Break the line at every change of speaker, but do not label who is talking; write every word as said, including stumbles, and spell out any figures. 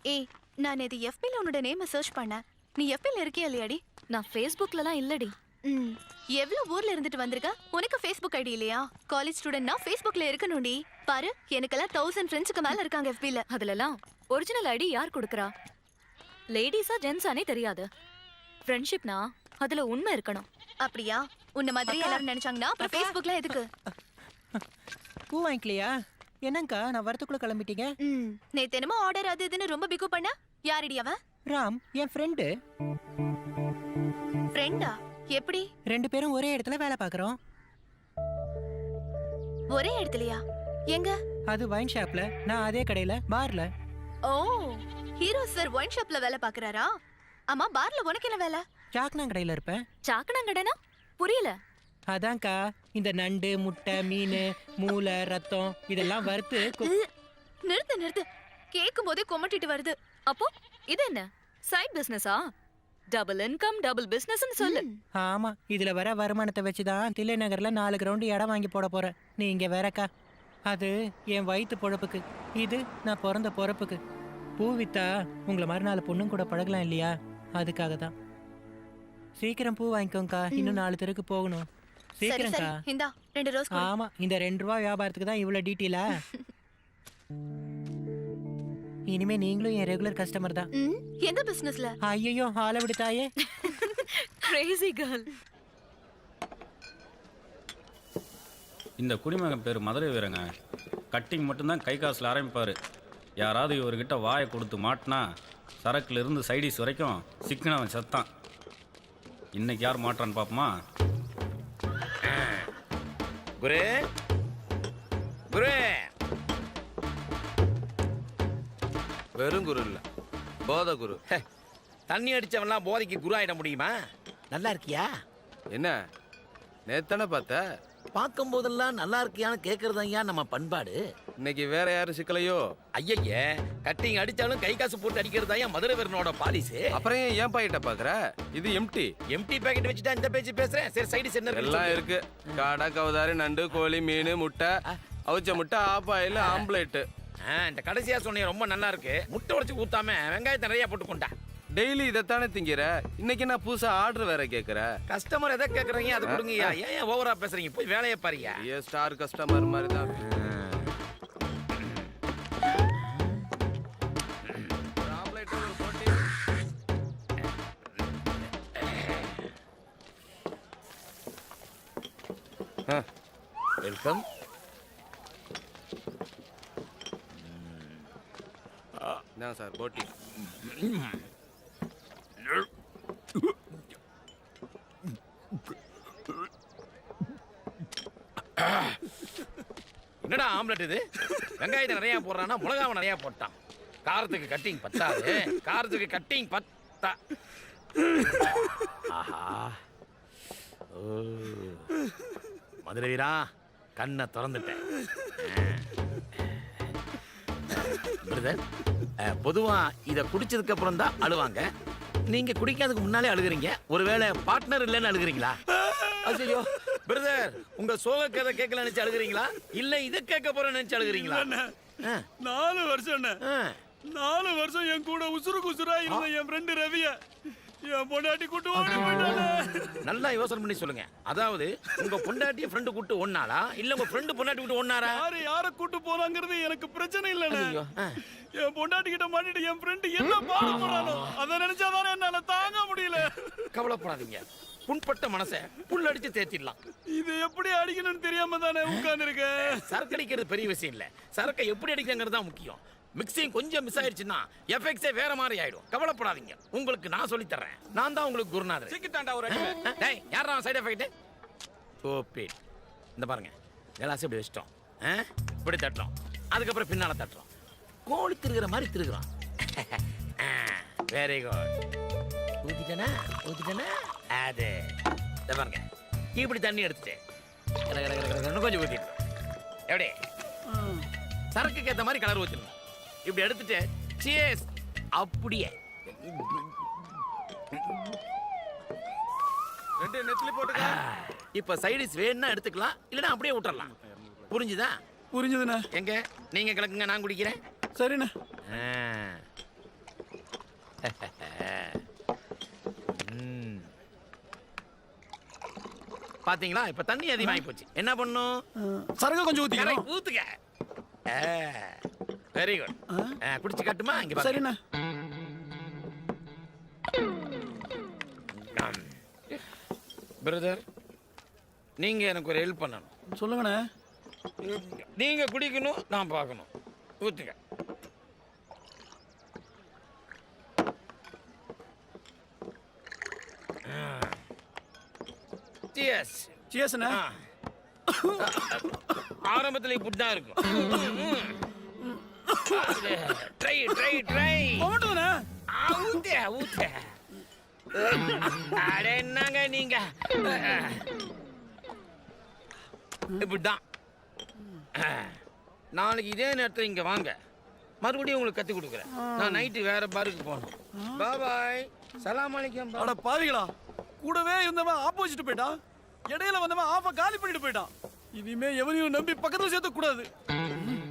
ஏய், நான் இது எஃபில உன்னோட நேமை சர்ச் பண்ணேன். நீ எஃபில இருக்கியா இல்லையாடி?
நான் ஃபேஸ்புக்லலாம் இல்லடி.
ம், எவ்வளவு ஊர்ல இருந்துட்டு வந்திருக்க? உனக்கு ஃபேஸ்புக் ஐடி இல்லையா? காலேஜ் ஸ்டூடெண்ட்னா ஃபேஸ்புக்ல இருக்கணும்டி. பாரு, எனக்கெல்லாம் தௌசண்ட் ஃப்ரெண்ட்ஸுக்கு மேல இருக்காங்க எஃபில.
அதுலலாம் ஒரிஜினல் ஐடி யார் கொடுக்கறா? லேடிஸா ஜென்ஸானே தெரியாது. ஃப்ரெண்ட்ஷிப்னா அதுல உண்மை இருக்கணும்.
அப்படியா? உன்ன மாதிரி எல்லாரும் நினைச்சாங்கன்னா அப்புறம் ஃபேஸ்புக்ல எதுக்கு?
பூ வாங்கிக்கலையா? என்னங்கா நான் வரத்துக்குள்ள கிளம்பிட்டீங்க?
ம், நேத்து என்னமோ ஆர்டர் அது இதுன்னு ரொம்ப பிகு பண்ண. யாரடி அவன்?
ராம் என் ஃப்ரெண்டு.
ஃப்ரெண்டா? எப்படி?
ரெண்டு பேரும் ஒரே இடத்துல வேலை பார்க்கறோம்.
ஒரே இடத்துலயா? எங்க?
அது வைன் ஷாப்ல, நான் அதே கடையில பார்ல.
ஓ, ஹீரோ சார் ஒயின் ஷாப்ல வேலை பாக்குறாரா? ஆமா, பார்ல உனக்கு என்ன வேலை?
சாக்னா கடையில இருப்பேன்.
சாக்கனாங்கடனா? புரியல.
அதான்க்கா, இந்த நண்டு, முட்டை, மீன், மூளை, ரத்தம் இதெல்லாம் வறுத்து கு-
நிறுத்து நிறுத்து. கேட்கும் போதே கொமட்டிட்டு வருது.
அப்போ இது என்ன சைட் பிசினஸா? டபுள் இன்கம் டபுள் பிசினஸ்னு சொல்லு.
ஆமா, இதுல வர வருமானத்தை வச்சுதான் தில்லை நகர்ல நாலு கிரவுண்ட் இடம் வாங்கி போட போறேன். நீ இங்க வேறக்கா. அது என் வயிற்று பொழப்புக்கு, இது நான் பிறந்த பொறப்புக்கு. பூ வித்தா உங்களை மாதிரி நாலு பொண்ணும் கூட பழகலாம் இல்லையா? அதுக்காக தான். சீக்கிரம் பூ வாங்கிக்கோங்கக்கா, இன்னும் நாலு தெருக்கு போகணும்.
சரி சரி,
சீக்கிரம்க்கா.
இந்தா ரெண்டு ரோஸ் கொடு.
ஆமா, இந்த ரெண்டு ரூபா வியாபாரத்துக்கு தான் இவ்வளவு டீட்டெயிலா? இனிமே நீங்களும் என் ரெகுலர் கஸ்டமர் தான்.
ம், எந்த பிசினஸ்ல?
ஐயோ, ஆளை விடுத்தாயே.
Crazy girl.
இந்த குடிமகன் பேர் மதுரை வீரங்க. கட்டிங் மட்டும்தான் கை காசில் ஆரம்பிப்பார். யாராவது இவர்கிட்ட வாயை கொடுத்து மாட்டினா சரக்குல இருந்து சைடிஸ் வரைக்கும் சிக்கனவன் சத்தான். இன்னைக்கு யார் மாட்டான்னு பார்ப்போமா?
குரு குரு
வெறும் குரு இல்ல, போத குரு.
ஹே, தண்ணி அடிச்சவன்லாம் போதைக்கு குரு ஆயிட முடியுமா? நல்லா இருக்கியா?
என்ன நேத்தானே பார்த்த?
பார்க்கும் போதெல்லாம் நல்லா இருக்கியான்னு கேட்கறது ஐயா நம்ம பண்பாடு.
இன்னைக்கு வேற யாரும் சிக்கலையோ?
ஐயய்ய, கட்டிங் அடிச்சாலும் கை காசு போட்டு அடிக்கிறது ஐயா மதுரை வீரனோட பாலிசு.
அப்புறம் ஏன் ஏன் பாக்கெட்ட பாக்குற? இது எம்டி.
எம்டி பாக்கெட் வச்சுட்டா இந்த பேச்சு பேசுறேன். சரி, சைடு என்ன
எல்லாம் இருக்கு. காடை, கவுதாரி, நண்டு, கோழி, மீன், முட்டை, அவிச்ச முட்டை, ஆப்பாயில், ஆம்லேட்டு.
இந்த கடைசியா சொன்னீங்க ரொம்ப நல்லா இருக்கு. முட்டை உடைச்சு ஊத்தாம வெங்காயத்தை நிறைய போட்டு கொண்டா.
டெய்லி இதைத்தானே திங்கிற. இன்னைக்கு நான் புதுசா ஆர்டர் வேற கேக்குற.
கஸ்டமர் எதை கேக்குறீங்க அதை கொடுங்கய்யா. ஏன் ஓவரா பேசுறீங்க? போய் வேலையை பாருயா.
ஏ ஸ்டார் கஸ்டமர் மாதிரி தான்.
வெல்கம்.
என்ன சார் போட்டி?
என்னடா ஆம்லெட் இது? வெங்காயத்தை நிறைய போடுறானா மிளகாவை நிறைய போட்டான். காரத்துக்கு கட்டிங் பத்தாது. காரத்துக்கு கட்டிங் பத்தா. ஆஹா, ஓ மதுரை வீரா, கண்ணை திறந்துட்டேன். பிரதர், பொதுவா இதை குடிச்சதுக்கு அப்புறம் தான் அழுவாங்க. நீங்க குடிக்காததுக்கு முன்னாலே அழுகுறீங்க. ஒருவேளை பார்ட்னர் இல்லைன்னு அழுகுறீங்களா? ஐயோ பிரதர், உங்க சோக கதை கேட்கல நினைச்சு அழுகுறீங்களா? இல்ல இதை கேட்க போற நினைச்சு அழுகுறீங்களா?
நாலு வருஷம் நாலு வருஷம் என் கூட உசுருக்கு உசுரா இருந்த என் ஃப்ரெண்டு ரவிய என் பொண்டாட்டி கூட்டு ஓடி போயிட்டானே.
நல்லா யோசனை பண்ணி சொல்லுங்க. அதாவது உங்க பொண்டாட்டிய ஃப்ரெண்டு கூட்டு ஒன்னாளா இல்ல உங்க ஃப்ரெண்டு பொண்டாட்டி கூட்டு ஒன்னாரா?
யாரு யார கூட்டு போறாங்கிறது எனக்கு பிரச்சனை இல்லைண்ணே. என் பொண்டாட்டி கிட்ட மாட்டிட்டு என் ஃப்ரெண்டு என்ன பாட போறானோ அதை நினைச்சாதானே என்னால தாங்க முடியல.
கவலைப்படாதீங்க, புண்பட்ட மனசை புல் அடிச்சு தேத்திடலாம்.
இது எப்படி அடிக்கணும்னு தெரியாம தானே உட்கார்ந்து இருக்க.
சரக்கு அடிக்கிறது பெரிய விஷயம் இல்ல, சரக்கை எப்படி அடிக்கிறது தான் முக்கியம். மிக்சிங் கொஞ்சம் மிஸ் ஆயிடுச்சுன்னா எஃபெக்ட்ஸே வேற மாதிரி ஆயிடும். கவலைப்படாதீங்க, உங்களுக்கு நான் சொல்லி தர்றேன். நான் தான் உங்களுக்கு குருநாதர்.
சிக்கிட்டாண்டா ஒரு
டேய், யாரா சைடு எஃபெக்ட்? ஓபே, இந்த பாருங்க, கிளாஸ் இப்படி வச்சிட்டோம், இப்படி தட்டுறோம், அதுக்கப்புறம் பின்னால தட்டுறோம். கோழி திருகிற மாதிரி திருகுறோம். Very good. ஊத்திட்டனா ஊத்திட்டனா அது இந்த பாருங்க, இப்படி தண்ணி எடுத்துட்டு கொஞ்சம் ஊத்திட்டு எப்படி சரக்குக்கு ஏற்ற மாதிரி கலர் ஊத்திடணும். இப்படி எடுத்துட்டு சியர்ஸ் அப்படியே
ரெண்டு நெத்திலி போட்டுக்க.
இப்ப சைடிஸ் வேணும்னா எடுத்துக்கலாம், இல்லைன்னா அப்படியே விட்டுறலாம். புரிஞ்சுதா?
புரிஞ்சுதுண்ணா.
எங்க நீங்க கிளக்குங்க, நான் குடிக்கிறேன்.
சரிண்ணா.
பாத்தீங்களா இப்ப தண்ணி அதிகமாகி போச்சு என்ன பண்ணும்
சரக்கு கொஞ்சம் ஊத்திக்கலாம்
Correct, ஊத்துக்க வெரி குட் குடிச்சு கட்டுமா இங்க பாருங்க.
சரிண்ணா
பிரதர் நீங்க எனக்கு ஒரு ஹெல்ப் பண்ணணும்
சொல்லுங்கண்ணே
நீங்க குடிக்கணும் நான் பார்க்கணும் ஊத்துங்க சியர்ஸ்
சியர்ஸ்ண்ணே
ஆரம்பத்துல இப்படி தான் இருக்கும் ட்ரை ட்ரை ட்ரை
போட்டுண்ணே
ஊத்த ஊத்த அட என்னங்க நீங்க இப்படிதான் நாளைக்கு இதே நேரத்தில் இங்க வாங்க மறுபடியும் உங்களுக்கு கத்து கொடுக்குறேன் நான் நைட்டு வேற பாருக்கு போகணும் பாய் சலாம் அலைக்கும்
அட பாவிகளா கூடவே இருந்தவன் ஆப்போசிட் போயிட்டான் இடையில வந்தவன் ஆஃப காலி பண்ணிட்டு போயிட்டான் இனிமே எவனையும் நம்பி பக்கத்துல சேர்த்த கூடாது